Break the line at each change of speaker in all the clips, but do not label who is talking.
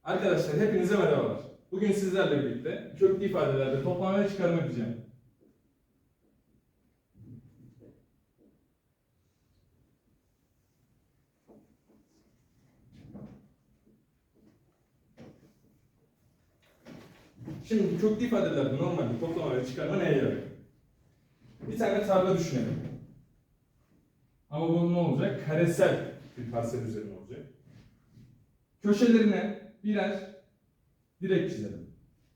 Arkadaşlar hepinize merhabalar. Bugün sizlerle birlikte köklü ifadelerde toplama ve çıkarma yapacağım. Şimdi bu köklü ifadelerde normalde toplama ve çıkarma neye yarıyor? Bir tane tarla düşünelim. Ama bu ne olacak? Karesel bir parsel üzerine olacak. Köşelerine birer direk çizelim.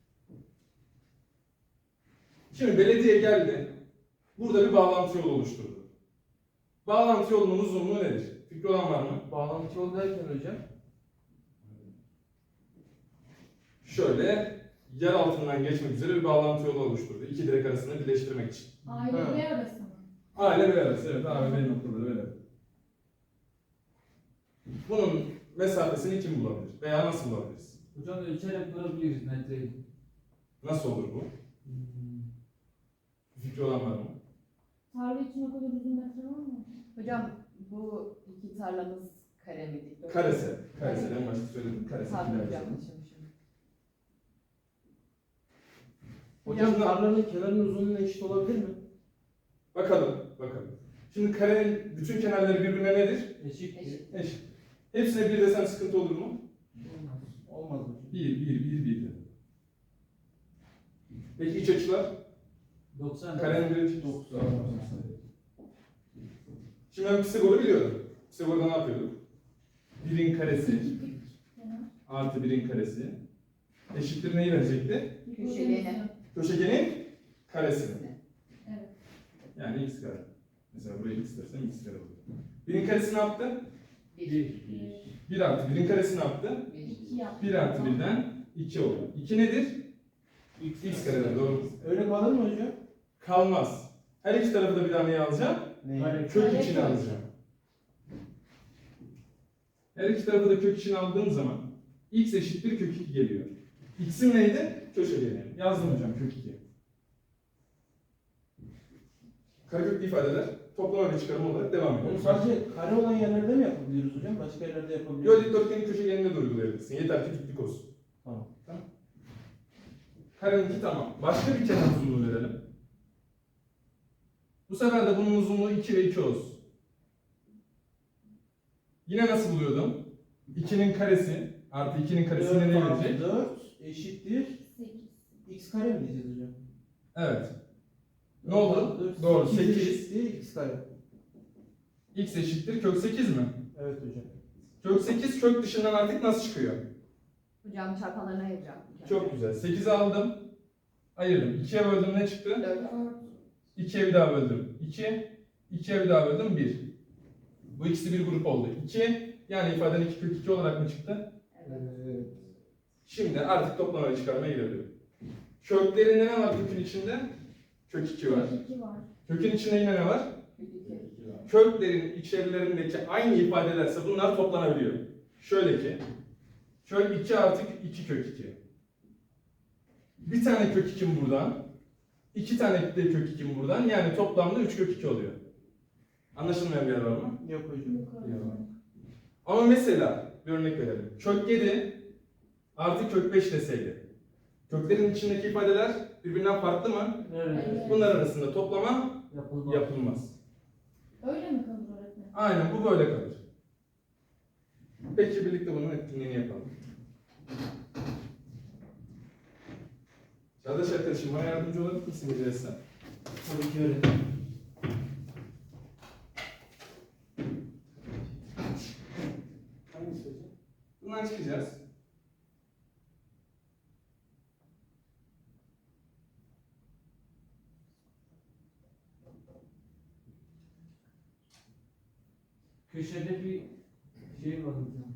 Şimdi belediye geldi. Burada bir bağlantı yolu oluşturdu. Bağlantı yolunun uzunluğu nedir? Fikri olan var mı?
Bağlantı yolu derken hocam?
Şöyle yer altından geçmek üzere bir bağlantı yolu oluşturdu. İki direk arasını birleştirmek için.
Aile ve arası mı?
Aile ve arası, evet. A ve B noktaları böyle. Bunun mesafesini kim bulabilir? Veya nasıl bulabiliriz?
Hocam ölçerek bulabiliriz metreyi.
Nasıl olur bu? Fikri olan var mı?
Tarla için o kadar uzun metre var mı?
Hocam bu iki tarlamız kare mi dikdörtgen?
Karesel. Karesel en başta söyledim. Karesel.
Tabii
Karesel.
yanlışmışım.
Hocam tarlanın kenarının uzunluğuna eşit olabilir mi?
Bakalım. Şimdi karenin bütün kenarları birbirine nedir?
Eşit.
Eşit.
Eşit. Hepsine bir desem sıkıntı olur mu?
Olmaz. Olmaz hocam.
1. Peki iç açılar?
90.
Karenin bir açısı.
90.
Şimdi ben Pisagor'u biliyordum. Pisagor'da ne yapıyorduk? 1'in karesi artı 1'in karesi eşittir neyi verecekti?
Köşegeni.
Köşegenin karesini.
Evet.
Yani x kare. Mesela buraya x dersem x kare olur. 1'in karesi ne yaptı?
1.
1 artı 1'in karesi ne yaptı?
1.
2 yaptı.
1 artı 1'den 2 olur. 2 nedir? X karedir, doğru mu?
Öyle kalır mı hocam?
Kalmaz. Her iki tarafı da bir tane neyi alacağım?
Neyi?
Kök
Kare
içine
kök.
alacağım. Her iki tarafı da kök içine aldığım zaman x eşittir kök 2 geliyor. X'in neydi? Köşegeni. Yazdım hocam kök 2. Kareköklü ifadeler toplama ve çıkarma olarak devam ediyor.
Onu sadece kare olan yerlerde mi yapabiliyoruz hocam? Başka yerlerde yapabiliyor
Yo, dikdörtgenin köşegenine de uygulayabilirsin. Yeter ki diklik olsun.
Tamam.
Kareninki tamam. Başka bir kenar uzunluğu verelim. Bu sefer de bunun uzunluğu 2 ve 2 olsun. Yine nasıl buluyordum? 2'nin karesi artı 2'nin karesine ne verecek?
4 eşittir
8.
x kare mi diyeceğiz hocam?
Evet. Ne oldu? Doğru, 8.
eşittir x kare.
X eşittir kök 8 mi?
Evet hocam.
Kök 8 kök dışından artık nasıl çıkıyor?
Hocam çarpanlarına ayıracağım.
Çok güzel. 8'i aldım. Ayırdım. 2'ye böldüm ne çıktı?
4.
2'ye bir daha böldüm. 2. 2'ye bir daha böldüm. 1. Bu ikisi bir grup oldu. 2. Yani ifaden 2 kök 2 olarak mı çıktı?
Evet.
Şimdi artık toplama ve çıkarmaya girelim. Köklerinde ne var kökün içinde? Kök 2 var.
2 var.
Kökün içinde yine ne var?
Kök 2.
Köklerin içerilerindeki aynı ifadelerse bunlar toplanabiliyor. Şöyle ki, kök 2 artı 2 kök 2. Bir tane kök 2'm buradan, 2 tane de kök 2'm buradan, yani toplamda 3 kök 2 oluyor. Anlaşılmayan bir yer var mı?
Yok hocam.
Yukarı.
Ama mesela, bir örnek verelim. Kök 7 artı kök 5 deseydi. Köklerin içindeki ifadeler birbirinden farklı mı?
Evet.
Bunlar arasında toplama
Yapılmaz.
yapılmaz.
Öyle mi kalır öğretmen?
Aynen, bu böyle kalır. Peki birlikte bunun etkinliğini yapalım. Çağdaş arkadaşım, bana yardımcı olabilir misin rica etsem?
Tabii ki öğretmen.
Hangisi hocam? Bundan çıkacağız.
Köşede bir şey var hocam.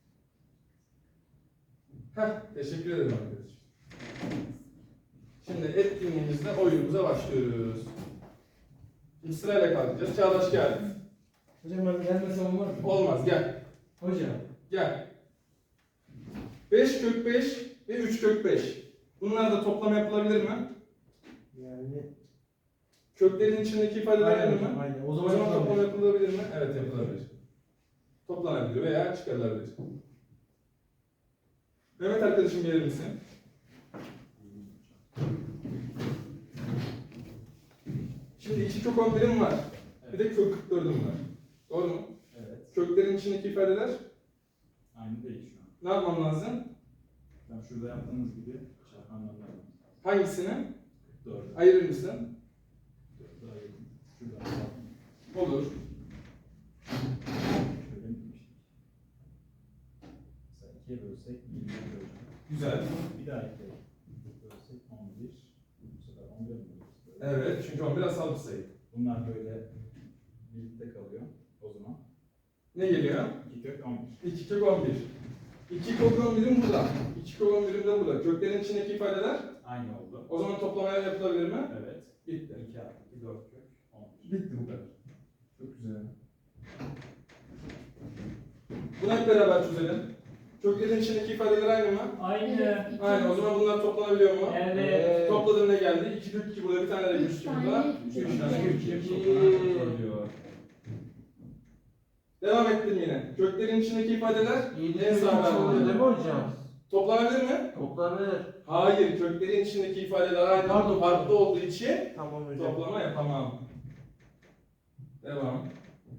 Teşekkür ederim arkadaşım. Şimdi etkinliğimizde oyunumuza başlıyoruz. Şimdi sırayla kalkacağız. Çağdaş gel.
Hocam ben gelmesem olmaz mı?
Olmaz, gel.
Hocam.
Gel. 5 kök 5 ve 3 kök 5. Bunlar da toplam yapılabilir mi?
Yani
Köklerin içindeki ifadeler aynı mı?
aynen.
O zaman toplam yapılabilir mi? Evet, yapılabilir. Toplanabilir veya çıkarılabilir. Mehmet arkadaşım gelir misin? Şimdi 2 kök 11'im var. Bir de kök 44'üm var. Doğru mu?
Evet.
Köklerin içindeki ifadeler
Aynı değil şu an.
ne yapmam lazım?
Tam şurada yaptığınız gibi çarpanlarla
Hangisini?
44'e.
Ayırır mısın?
44'e ayırdım. Şuradan çarptım.
Olur.
Şöyle mi demiştik? Mesela 2'ye bölsek 20'ye böleceğim.
Güzel.
Bir daha 2'ye bölsek 11. Bu sefer 11'e mi bölüyoruz? Böyle.
Evet, çünkü 11 asal bir sayı.
Bunlar böyle birlikte kalıyor o zaman.
Ne geliyor?
2 kök 11.
2 kök 11. 2 kök 11'im burada. 2 kök 11'im de burada. Köklerin içindeki ifadeler
Aynı oldu.
o zaman toplamaya yapılabilir mi?
Evet.
Bitti.
2 artı 2 4 kök 11.
Bitti bu kadar. Çok güzel. Bunu hep beraber çözelim. Köklerin içindeki ifadeler aynı mı?
Aynı.
Aynı. O zaman bunlar toplanabiliyor mu?
Evet.
Topladım ne geldi? 2 kök 2 burada, bir tane de
Üç
3 2
tane,
burada.
üç
3
iki.
tane kök 2
İki.
toplanabiliyor. Devam ettim yine. Köklerin içindeki ifadeler
7
en
kök
sağda
3 oluyor değil mi
oluyor.
hocam?
Toplanabilir mi?
Toplanır.
Hayır. Köklerin içindeki ifadeler aynı
Pardon.
farklı olduğu için
Tamam hocam.
toplama yapamam. Devam.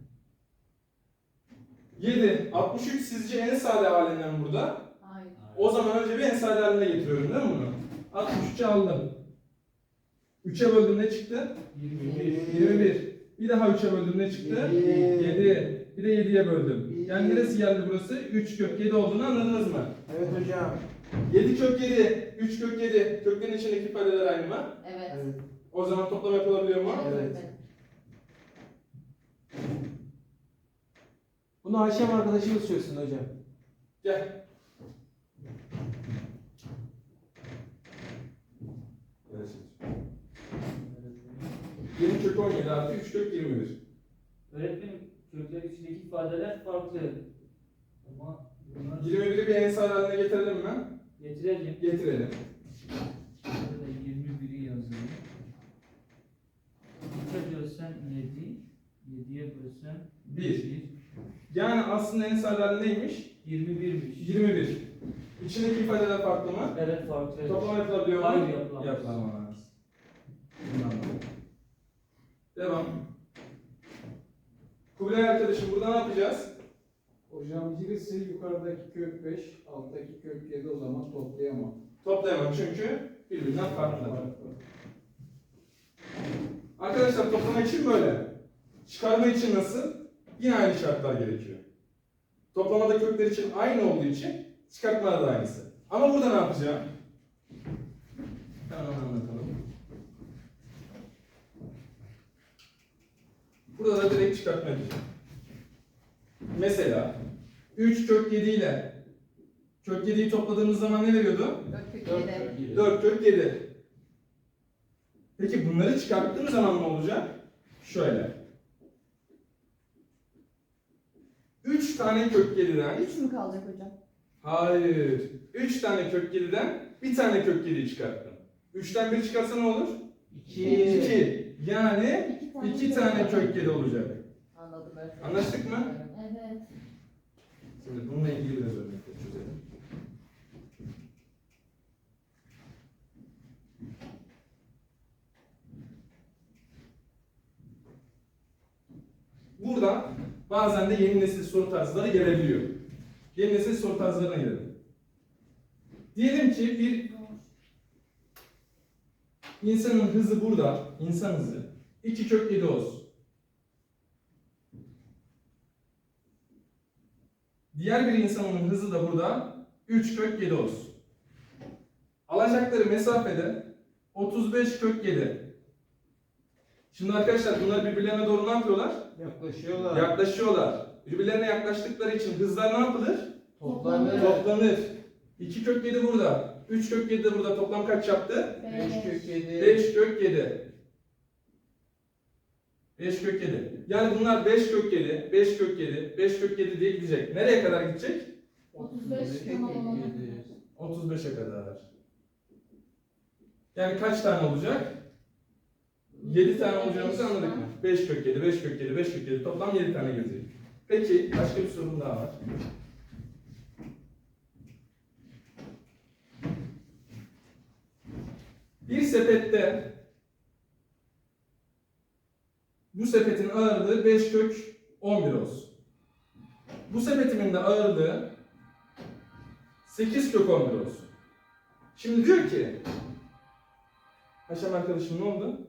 7. 63 sizce en sade halinden burada.
Hayır.
O zaman önce bir en sade haline getiriyorum değil mi bunu? 63'ü aldım. 3'e böldüm ne çıktı? 21. Bir daha 3'e böldüm ne çıktı? 7. Bir de 7'ye böldüm. Yani neresi geldi burası? 3 kök 7 olduğunu anladınız mı?
Evet hocam.
7 kök 7, 3 kök 7. Köklerin içindeki ifadeler aynı mı?
Evet.
Evet.
O zaman toplam yapılabiliyor mu?
Evet. Bunu Ayşem arkadaşımız çözsün hocam.
Gel. Yeni kök 17 artı 3 kök 21.
Öğretmenim kökler içindeki ifadeler farklı. Ama bunlar
21'i bir en sade haline getirelim mi?
getirelim.
Getirelim.
Burada 21'i yazalım. 3'e bölsen 7. 7'ye bölsen
1. Yani aslında en sade hali neymiş?
21'miş.
21. İçindeki ifadeler farklı mı?
Evet farklı.
Toplam yapılabiliyor mu?
Hayır, yapılamaz.
Yapılamaz. Bunu anladım. Devam. Kubilay arkadaşım burada ne yapacağız?
Hocam birisi yukarıdaki kök 5, alttaki kök 7 o zaman toplayamam.
Toplayamam çünkü birbirinden farklı. Arkadaşlar toplama için böyle. Çıkarma için nasıl? Yine aynı şartlar gerekiyor. Toplamada kökler için aynı olduğu için çıkartmada da aynısı. Ama burada ne yapacağım? Hemen anlatalım. Burada da direkt çıkartma yapacağım. Mesela 3 kök 7 ile kök 7'yi topladığımız zaman ne veriyordu?
4 kök 7.
4 kök 7. Peki bunları çıkarttığım zaman ne olacak? Şöyle. 3 tane kök 7'den
3 mü kalacak hocam?
hayır. 3 tane kök 7'den bir tane kök 7'yi çıkarttım. 3'ten 1 çıkarsa ne olur?
2.
2. Yani 2 tane kök 7 olacak.
Anladım öğretmenim.
Anlaştık mı?
Evet.
Şimdi bununla ilgili biraz örnekler çözelim. Burada bazen de yeni nesil soru tarzları gelebiliyor. Yeni nesil soru tarzlarına gelelim. Diyelim ki bir insanın hızı burada, insan hızı 2 kök 7 olsun. Diğer bir insanın hızı da burada 3 kök 7 olsun. Alacakları mesafede 35 kök 7. Şimdi arkadaşlar bunlar birbirlerine doğru ne yapıyorlar?
Yaklaşıyorlar.
Yaklaşıyorlar. Birbirlerine yaklaştıkları için hızlar ne yapılır?
Toplanır.
Toplanır. 2 kök 7 burada. 3 kök 7 de burada. Toplam kaç yaptı?
5 kök 7.
5 kök 7. 5 kök 7. Yani bunlar 5 kök 7, 5 kök 7, 5 kök 7 diye gidecek. Nereye kadar gidecek?
35 tamam olana kadar.
35'e kadar. Yani kaç tane olacak? 7 tane olacağımızı anladık mı? 5 kök 7, 5 kök 7, 5 kök 7 toplam 7 tane gelecek. Peki başka bir sorun daha var. Bir sepette bu sepetin ağırlığı 5 kök 11 olsun. Bu sepetimin de ağırlığı 8 kök 11 olsun. Şimdi diyor ki Haşam arkadaşım ne oldu?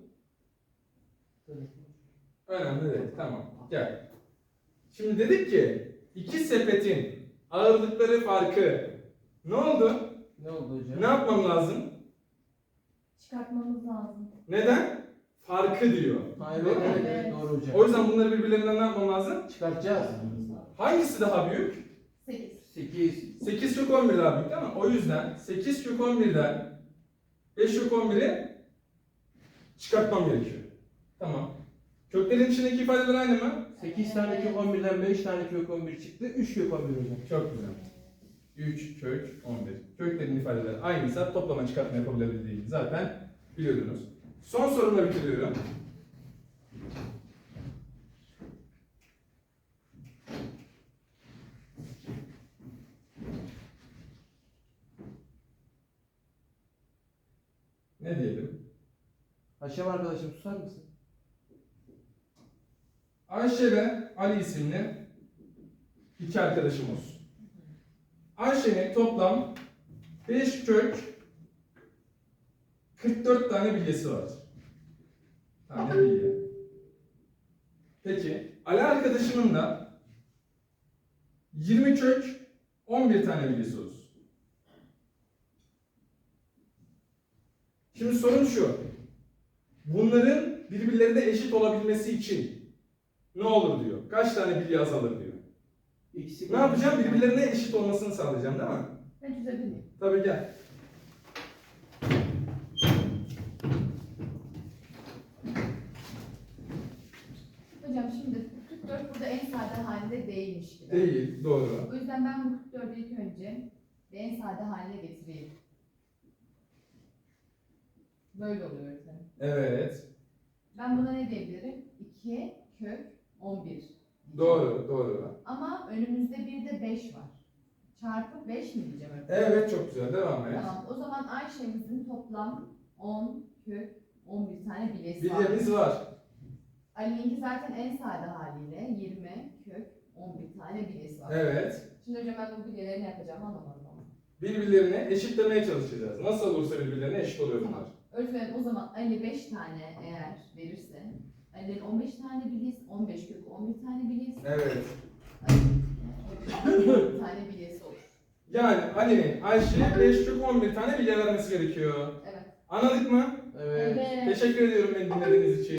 Önemli değil. Tamam. Gel. Şimdi dedik ki iki sepetin ağırlıkları farkı ne oldu?
Ne oldu hocam?
Ne yapmam lazım?
Çıkartmamız lazım.
Neden? Farkı diyor.
Ha, evet,
Doğru mu?
evet, evet, doğru hocam.
O yüzden bunları birbirlerinden ne yapmam lazım?
Çıkartacağız.
Hangisi daha büyük?
8.
8.
8 kök 11 daha büyük değil mi? O yüzden 8 kök 11'den 5 kök 11'i çıkartmam gerekiyor. Tamam. Köklerin içindeki ifadeler aynı mı?
8 tane kök 11'den 5 tane kök 11 çıktı. 3 kök 11 hocam.
Çok güzel. 3 kök 11. Köklerin ifadeleri aynıysa toplama çıkartma yapabildiğini zaten biliyordunuz. Son sorumla bitiriyorum. Ne diyelim?
Haşem arkadaşım susar mısın?
Ayşe ve Ali isimli iki arkadaşım olsun. Ayşe'nin toplam 5 kök 44 tane bilyesi var. Tane bilye. Peki Ali arkadaşımın da 20 kök 11 tane bilyesi olsun. Şimdi sorun şu. Bunların birbirlerine eşit olabilmesi için ne olur diyor. Kaç tane bilye azalır diyor.
İkisi
Ne yapacağım? Birbirlerine eşit olmasını sağlayacağım değil mi?
Ben çözebilir miyim?
Tabii gel.
Hocam şimdi 44 burada en sade halinde değilmiş gibi.
Değil, doğru.
O yüzden ben bu 44'ü ilk önce bir en sade haline getireyim. Böyle oluyor öğretmenim.
Evet.
Ben buna ne diyebilirim? 2 kök 11.
Doğru, doğru.
Ama önümüzde bir de 5 var. Çarpı 5 mi diyeceğim öğretmenim?
Evet, çok güzel. Devam et.
Tamam. O zaman Ayşe'mizin toplam 10 kök 11 tane bilyesi var.
Bilyemiz var.
Ali'ninki zaten en sade haliyle 20 kök 11 tane bilyesi var.
Evet.
Şimdi hocam ben bu bilyeleri ne yapacağım anlamadım ama.
Birbirlerine eşitlemeye çalışacağız. Nasıl olursa birbirlerine eşit oluyor bunlar.
Tamam. Öğretmenim o zaman Ali 5 tane eğer verirse Ali'nin 15 tane bilyesi, 15 kök 11 tane bilyesi,
Evet.
Ali'nin 10 tane bilyesi olur.
Yani Ali'nin Ayşe'ye 5 kök 11 tane bilye vermesi gerekiyor.
Evet.
Anladık mı?
Evet.
Evet.
Teşekkür ediyorum beni dinlediğiniz için.